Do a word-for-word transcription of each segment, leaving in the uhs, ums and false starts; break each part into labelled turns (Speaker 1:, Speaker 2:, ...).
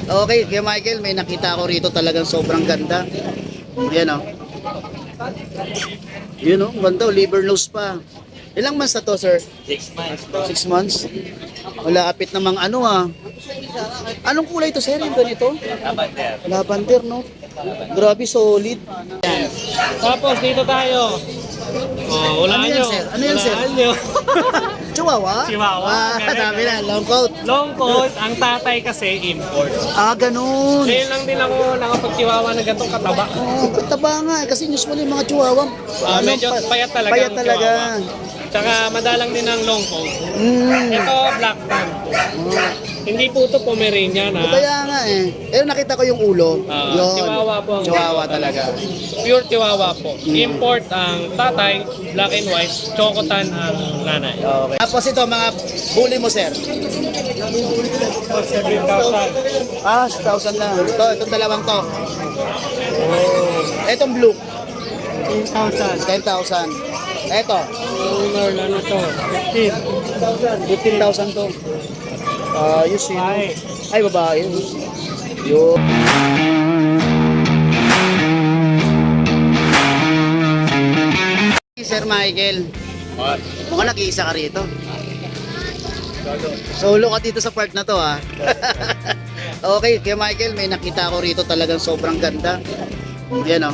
Speaker 1: Okay, kaya Michael, may nakita ako rito talagang sobrang ganda. Yan o. Yun o, ganda o, liver nose pa. Ilang months na to, sir?
Speaker 2: Six months.
Speaker 1: Six months? Wala, apit namang ano ah. Anong kulay to, sir? Yung ganito?
Speaker 2: Lavender.
Speaker 1: Lavender, no? Grabe, solid. Yan.
Speaker 3: Tapos dito tayo. Oh, wala
Speaker 1: Ano yan,
Speaker 3: nyo.
Speaker 1: sir? Ano yan, sir?
Speaker 3: Walaan nyo.
Speaker 1: Chihuahua?
Speaker 3: Chihuahua.
Speaker 1: Ah,
Speaker 3: Ganun,
Speaker 1: sabi na,
Speaker 3: ganun.
Speaker 1: long coat.
Speaker 3: Long coat, ang tatay kasi import.
Speaker 1: Ah, ganun.
Speaker 3: Ngayon lang din ako nakapagchihuahua na gantong kataba.
Speaker 1: Oh, taba nga eh, kasi usually mga chihuahua.
Speaker 3: Ah, medyo
Speaker 1: pa-
Speaker 3: payat talaga
Speaker 1: Payat
Speaker 3: ang
Speaker 1: talaga.
Speaker 3: Tsaka madalang din ang long coat.
Speaker 1: Mm.
Speaker 3: Ito, black tan.
Speaker 1: Oh.
Speaker 3: Hindi po ito Pomeranian ha.
Speaker 1: Kaya nga eh. Pero nakita ko yung ulo.
Speaker 3: Ah,
Speaker 1: Yun.
Speaker 3: Chihuahua po ang-
Speaker 1: Chihuahua talaga.
Speaker 3: Pure Chihuahua po. Import ang tatay, black and white, chocotan ang nanay.
Speaker 1: Okay. Tapos ito, mga bully mo, sir.
Speaker 3: seven thousand.
Speaker 1: Ah, six thousand lang. Ito, itong dalawang to. Oh. Itong blue,
Speaker 3: ten thousand.
Speaker 1: ten thousand. Ito,
Speaker 3: Owner, ano to? fifteen.
Speaker 1: fifteen thousand to. Ayos yun.
Speaker 3: Ay.
Speaker 1: Ay, babae. Yun. Sir Michael, mukhang nag-iisa ka rito. Solo ka dito sa part na to ha. Okay, kaya Michael, may nakita ko rito talagang sobrang ganda. Yan o.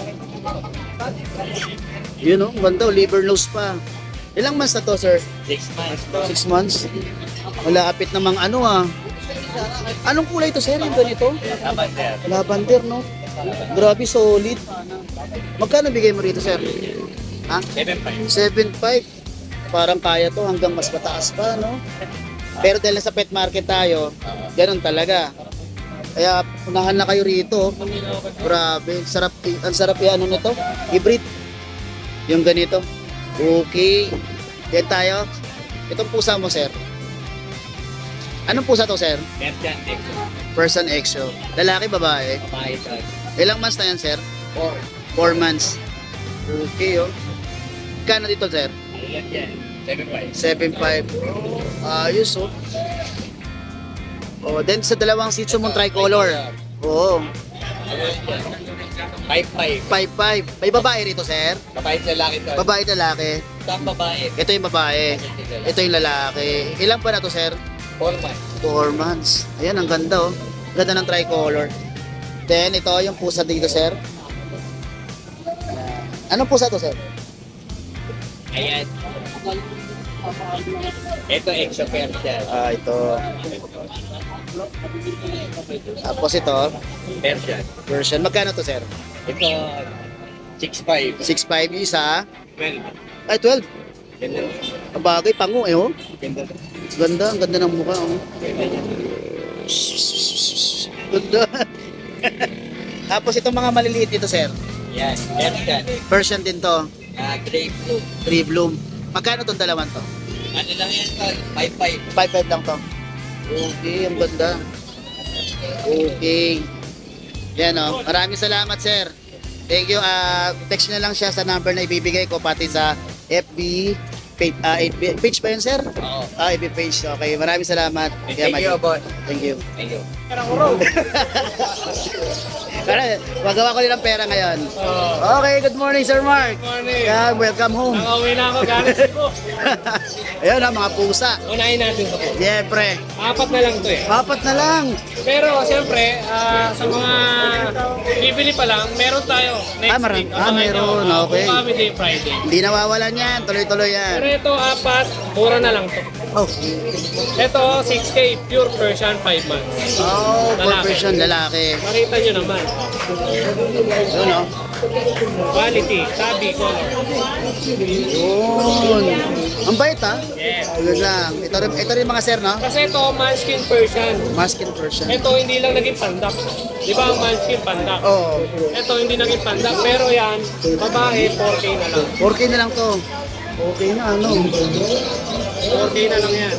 Speaker 1: Yun o, ganda o, liver nose pa. Ilang months na to, sir?
Speaker 2: Six months.
Speaker 1: Six months? Wala, apit namang ano ah. Anong kulay to, sir? Yung ganito?
Speaker 2: Lavender.
Speaker 1: Lavender, no? Grabe, solid. Magkano bigay mo rito, sir? Ha?
Speaker 2: Seven five.
Speaker 1: seven five. Parang kaya to hanggang mas mataas pa, no? Pero dahil sa pet market tayo, ganun talaga. Kaya unahan na kayo rito. Grabe, sarap, ang sarap yan, ano nito? Hybrid. Yung ganito. Okay. Yan tayo. Itong pusa mo, sir. Anong pusa to, sir?
Speaker 2: Persian Exo.
Speaker 1: Person Exo. Lalaki, babae.
Speaker 2: Babae ito.
Speaker 1: Ilang months na yan, sir?
Speaker 2: Four.
Speaker 1: Four months. Okay, oh. Kano dito, sir?
Speaker 2: Ano yan yan? Seven five.
Speaker 1: seven five. Ayos, oh. Oh, then sa dalawang Shih Tzu mong tricolor. Oo.
Speaker 2: Five five.
Speaker 1: five five. May babae rito, sir?
Speaker 2: Babae at lalaki ito.
Speaker 1: Babae at lalaki.
Speaker 2: Ito ang babae.
Speaker 1: Ito yung babae. Ito yung lalaki. Ilan pa na to, sir?
Speaker 2: Four months.
Speaker 1: Four months. Ayan, ang ganda, oh. Ganda ng tricolor. Then, ito yung pusa dito, sir. Anong pusa to, sir?
Speaker 2: Ayan. Ito Exo Persian.
Speaker 1: Ah, ito. Tapos ito,
Speaker 2: Persian.
Speaker 1: version. Magkano to, sir?
Speaker 2: Ito six five.
Speaker 1: six five yung isa.
Speaker 2: Well,
Speaker 1: Ay, twelve.
Speaker 2: ganda.
Speaker 1: Ang bagay, pango, eh, oh.
Speaker 2: Ganda.
Speaker 1: Ganda, ang ganda ng mukha, oh. Ganda. Tapos itong mga maliliit dito, sir.
Speaker 2: Yan. Persian.
Speaker 1: Version din to.
Speaker 2: Ah, gray blue.
Speaker 1: Tree bloom. Magkano tong dalawan to?
Speaker 2: Ano lang yan tol? Five five.
Speaker 1: five five lang to. Okay, ang ganda. Okay. Yan, oh. Maraming salamat, sir. Thank you. Ah, text nyo lang siya sa number na ibibigay ko pati sa F B page, ah, F B page ba yun, sir?
Speaker 2: Oo.
Speaker 1: Ah, F B page. Okay, maraming salamat.
Speaker 2: Thank
Speaker 1: Yeah,
Speaker 2: you,
Speaker 1: Mike.
Speaker 2: boss.
Speaker 1: Thank you.
Speaker 2: Thank you.
Speaker 1: Kaya, magawa ko rin ng pera ngayon.
Speaker 3: Oh,
Speaker 1: Okay, good morning, Sir Mark.
Speaker 3: morning.
Speaker 1: Yeah, welcome home.
Speaker 3: Nakauwi na ako galing Cebu.
Speaker 1: Ayun na, mga pusa.
Speaker 3: Unahin natin ito po.
Speaker 1: Siyempre,
Speaker 3: Apat na lang to eh.
Speaker 1: apat na lang.
Speaker 3: Pero siyempre, ah, sa mga bibili pa lang, meron tayo next
Speaker 1: Ah, maram-
Speaker 3: week.
Speaker 1: ah,
Speaker 3: Abangan
Speaker 1: meron.
Speaker 3: nyo, ah,
Speaker 1: Okay.
Speaker 3: Bukawi Day Friday.
Speaker 1: Hindi nawawalan yan. Tuloy-tuloy yan.
Speaker 3: Pero ito, apat, mura na lang to.
Speaker 1: Oh,
Speaker 3: Ito, six K, pure Persian, five months.
Speaker 1: oh
Speaker 3: Lalaki.
Speaker 1: profession, lalaki.
Speaker 3: Makita nyo naman.
Speaker 1: Yun, oh.
Speaker 3: Quality, tabi, color.
Speaker 1: Yun. Ang bait, ha?
Speaker 3: Yes.
Speaker 1: Yun lang. Ito rin, ito rin mga sir, no?
Speaker 3: Kasi ito, Munchkin Persian.
Speaker 1: Masking version.
Speaker 3: Ito, hindi lang naging pandak. Di ba ang Munchkin pandak?
Speaker 1: Oh,
Speaker 3: Ito, hindi naging pandak. Pero yan, babae, four K na lang.
Speaker 1: four K na lang to. Okay na, ano?
Speaker 3: four K na lang yan.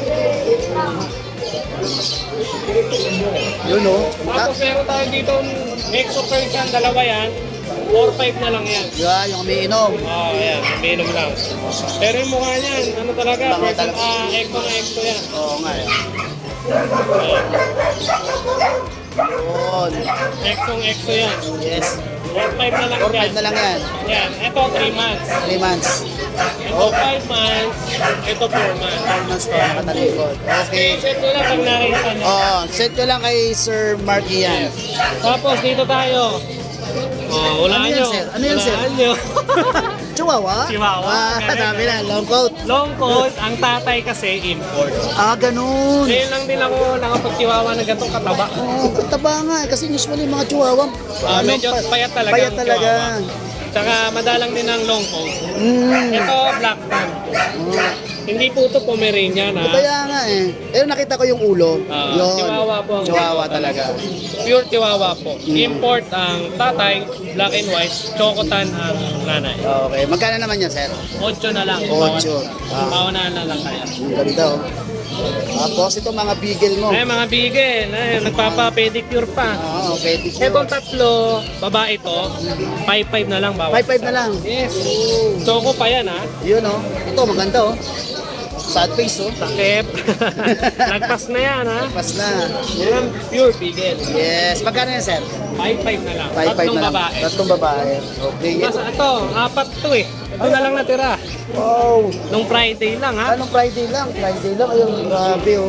Speaker 1: Yun, oh. Ah,
Speaker 3: Tapos meron tayo dito, Exo Persian, dalawa yan. four five na lang yan.
Speaker 1: yeah, yung umiinom.
Speaker 3: Oh, ayan, minum lang. Pero yung mukha niyan, ano talaga,
Speaker 1: Bango
Speaker 3: person,
Speaker 1: talaga.
Speaker 3: ah, Exo na Exo yan.
Speaker 1: Oo nga, eh.
Speaker 3: Ayan.
Speaker 1: Yun. Yun.
Speaker 3: Exong exo yan.
Speaker 1: Yes.
Speaker 3: four five na lang
Speaker 1: four
Speaker 3: yan.
Speaker 1: five na lang yan.
Speaker 3: Yan. Ito three months.
Speaker 1: three months.
Speaker 3: Ito five months. Ito four months.
Speaker 1: four months ko, nakatalikod. Okay.
Speaker 3: Check ko lang pag nakita nyo.
Speaker 1: Oo, send ko lang kay Sir Marky yan.
Speaker 3: Tapos dito tayo. Oh, wala
Speaker 1: Ano yan,
Speaker 3: nyo.
Speaker 1: sir? Ano yan, sir?
Speaker 3: Walaan nyo.
Speaker 1: Chihuahua?
Speaker 3: Chihuahua.
Speaker 1: Ah,
Speaker 3: Ganun,
Speaker 1: sabi na,
Speaker 3: ganun.
Speaker 1: long coat.
Speaker 3: Long coat, ang tatay kasi import.
Speaker 1: Ah, ganun.
Speaker 3: Ngayon lang din ako nakapagchihuahua na gantong kataba.
Speaker 1: Oo, taba nga eh, kasi usually mga chihuahua,
Speaker 3: Ah,
Speaker 1: ano,
Speaker 3: medyo
Speaker 1: pa-
Speaker 3: payat talaga
Speaker 1: Payat
Speaker 3: ang
Speaker 1: talaga.
Speaker 3: chihuahua. Tsaka madalang din ang long coat.
Speaker 1: Mm.
Speaker 3: Ito, black tan.
Speaker 1: Oh.
Speaker 3: Hindi po ito Pomeranian ha.
Speaker 1: Kaya nga eh. Pero nakita ko yung ulo.
Speaker 3: Ah,
Speaker 1: Yun.
Speaker 3: Chihuahua po. ang-
Speaker 1: Chihuahua talaga.
Speaker 3: Pure Chihuahua po. Import ang tatay, black and white, chocotan ang nanay.
Speaker 1: Okay. Magkano naman yan, sir?
Speaker 3: Ocho na lang.
Speaker 1: Ocho. Ah.
Speaker 3: Paunahan na lang kaya.
Speaker 1: Ang ganda oh. Tapos ito mga beagle mo.
Speaker 3: Ay, mga bigel. Ay, nagpapa-pedicure pa.
Speaker 1: Ah, okay.
Speaker 3: Etong tatlo, babae to, five five na lang bawat.
Speaker 1: five five na lang.
Speaker 3: Yes. Choco pa yan ha.
Speaker 1: Yun oh. Ito maganda oh. Sad face oh.
Speaker 3: Takip. Lagpas na yan ha.
Speaker 1: Pas na.
Speaker 3: Yan, pure bigel.
Speaker 1: Yes. Magkano yan, sir?
Speaker 3: five five na lang.
Speaker 1: five five
Speaker 3: Tatlong
Speaker 1: na lang.
Speaker 3: babae.
Speaker 1: Tatlong babae. Okay.
Speaker 3: Mas ito, apat to eh. Ito na lang natira.
Speaker 1: Wow.
Speaker 3: Nung Friday lang ha.
Speaker 1: Anong Friday lang? Friday lang. Ayun, grabe oh.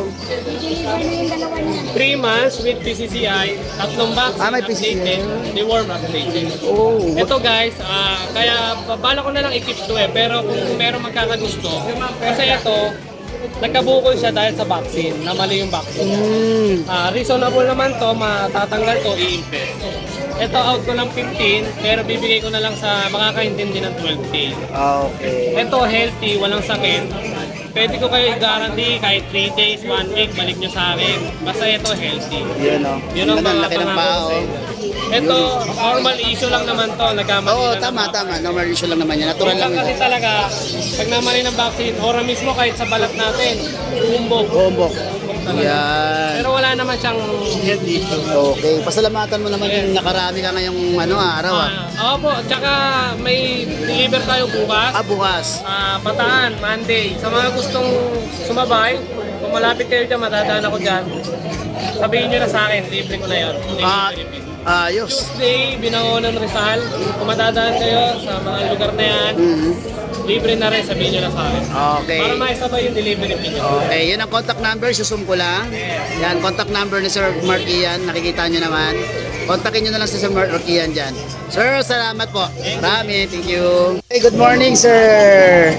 Speaker 3: three months with P C C I, tatlong vaccine
Speaker 1: Ah, may P C C I.
Speaker 3: updated, deworm updated.
Speaker 1: Oh.
Speaker 3: Ito guys, ah, kaya bala ko na lang i-keep to eh, pero kung meron magkakagusto, kasi ito, nagkabukol siya dahil sa vaccine, na mali yung vaccine.
Speaker 1: Mm.
Speaker 3: Ah, reasonable naman to, matatanggal to, i-invest. Ito out ko ng fifteen, pero bibigay ko na lang sa makakaintindi ng twelve K.
Speaker 1: Ah, okay.
Speaker 3: Ito healthy, walang sakit. Pwede ko kayo i-guarantee kahit three days, one week, balik nyo sa akin. Basta ito healthy.
Speaker 1: Yun oh.
Speaker 3: Yun ang
Speaker 1: Ang
Speaker 3: mga
Speaker 1: laki ng
Speaker 3: pangako
Speaker 1: paa
Speaker 3: ko sa
Speaker 1: oh.
Speaker 3: inyo. Ito, normal issue lang naman to. Nagkamali
Speaker 1: Oo,
Speaker 3: lang
Speaker 1: tama,
Speaker 3: naman.
Speaker 1: tama. Normal issue lang naman yan. Natural lang
Speaker 3: Minsan kasi
Speaker 1: yun.
Speaker 3: talaga, pag namali ng vaccine, ora mismo kahit sa balat natin, bumbog.
Speaker 1: Bombok.
Speaker 3: Talaga.
Speaker 1: Yan.
Speaker 3: Pero wala naman siyang health issue.
Speaker 1: Okay. Pasalamatan mo naman yung nakarami ka ngayong ano, ah, araw ah.
Speaker 3: Ah, opo, tsaka may deliver tayo bukas.
Speaker 1: Ah, bukas.
Speaker 3: Ah, Bataan, Monday. Sa mga gustong sumabay, kung malapit kayo dyan, matadaan ako dyan. Sabihin nyo na sa akin, libre ko na yun.
Speaker 1: Ah,
Speaker 3: Delivery fee.
Speaker 1: ayos.
Speaker 3: Tuesday, Binangonan Rizal. Kung matadaan kayo sa mga lugar na yan,
Speaker 1: Mhm.
Speaker 3: libre na rin, sabihin nyo na sa akin.
Speaker 1: Okay.
Speaker 3: Para maisabay yung delivery fee nyo.
Speaker 1: Okay, yun ang contact number, susum ko lang. Yan, contact number ni Sir Marky yan, nakikita nyo naman. Kontakin nyo na lang si Sir Marky yan dyan. Sir, salamat po. Marami, thank you. Hey, good morning, sir.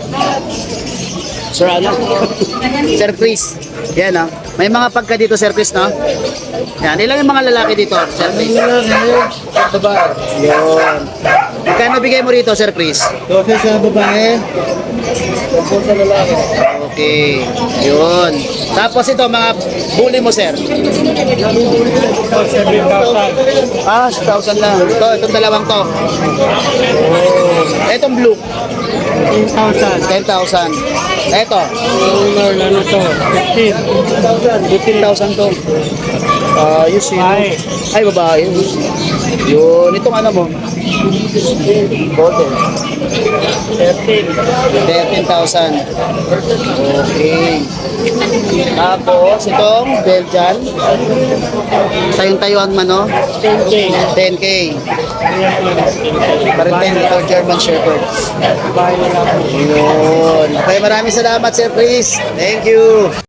Speaker 1: Sir, ano? Sir Chris. Yan, no? May mga pagka dito, Sir Chris, no? Yan, ilan yung mga lalaki dito, Sir Chris? Yun. Magkano bigay mo rito, Sir Chris?
Speaker 2: Dose sa babae. Sa lalaki.
Speaker 1: Okay. Yun. Tapos ito, mga bully mo, sir.
Speaker 3: seven thousand.
Speaker 1: Ah, one thousand lang. Ito, itong dalawang to. Oh. Itong blue,
Speaker 3: ten thousand.
Speaker 1: ten thousand. Ito,
Speaker 3: Owner na ano to? fifteen.
Speaker 1: fifteen thousand to. Ayos yun.
Speaker 3: Ay.
Speaker 1: Ay, babae. Yun. Itong ano mo? Golden.
Speaker 3: thirteen.
Speaker 1: thirteen thousand. Okay. Tapos, itong Belgian. Tayong Taiwan man, no?
Speaker 3: ten K.
Speaker 1: ten K. Parintin ito, German Shepherd.
Speaker 3: Bahay na lang.
Speaker 1: Yun. Okay, maraming salamat, Sir Chris. Thank you.